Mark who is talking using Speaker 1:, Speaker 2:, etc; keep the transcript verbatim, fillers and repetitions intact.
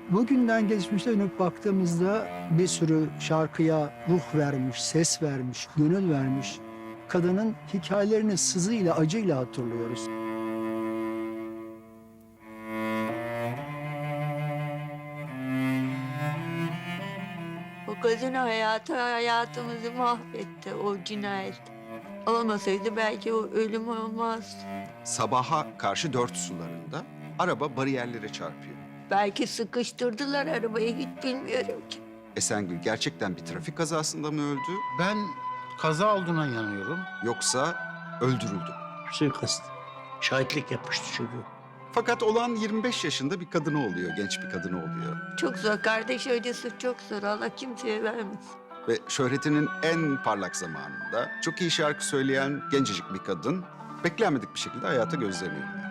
Speaker 1: Bugünden geçmişte dönüp baktığımızda bir sürü şarkıya ruh vermiş, ses vermiş, gönül vermiş kadının hikayelerini sızıyla, acıyla hatırlıyoruz.
Speaker 2: O kadın hayatı hayatımızı mahvetti o cinayet. Olmasaydı belki o ölüm olmazdı.
Speaker 3: Sabaha karşı dört sularında araba bariyerlere çarpıyor.
Speaker 2: Belki sıkıştırdılar arabayı, hiç bilmiyorum ki.
Speaker 3: Esengül gerçekten bir trafik kazasında mı öldü
Speaker 4: Ben kaza olduğuna inanıyorum.
Speaker 3: yoksa öldürüldü?
Speaker 5: Suikast. Şahitlik yapmıştı çünkü.
Speaker 3: Fakat olan yirmi beş yaşında bir kadını oluyor, genç bir kadını oluyor.
Speaker 2: Çok zor, kardeş acısı çok zor. Allah kimseye vermesin.
Speaker 3: Ve şöhretinin en parlak zamanında çok iyi şarkı söyleyen gencecik bir kadın beklenmedik bir şekilde hayata gözlerini yumuyor.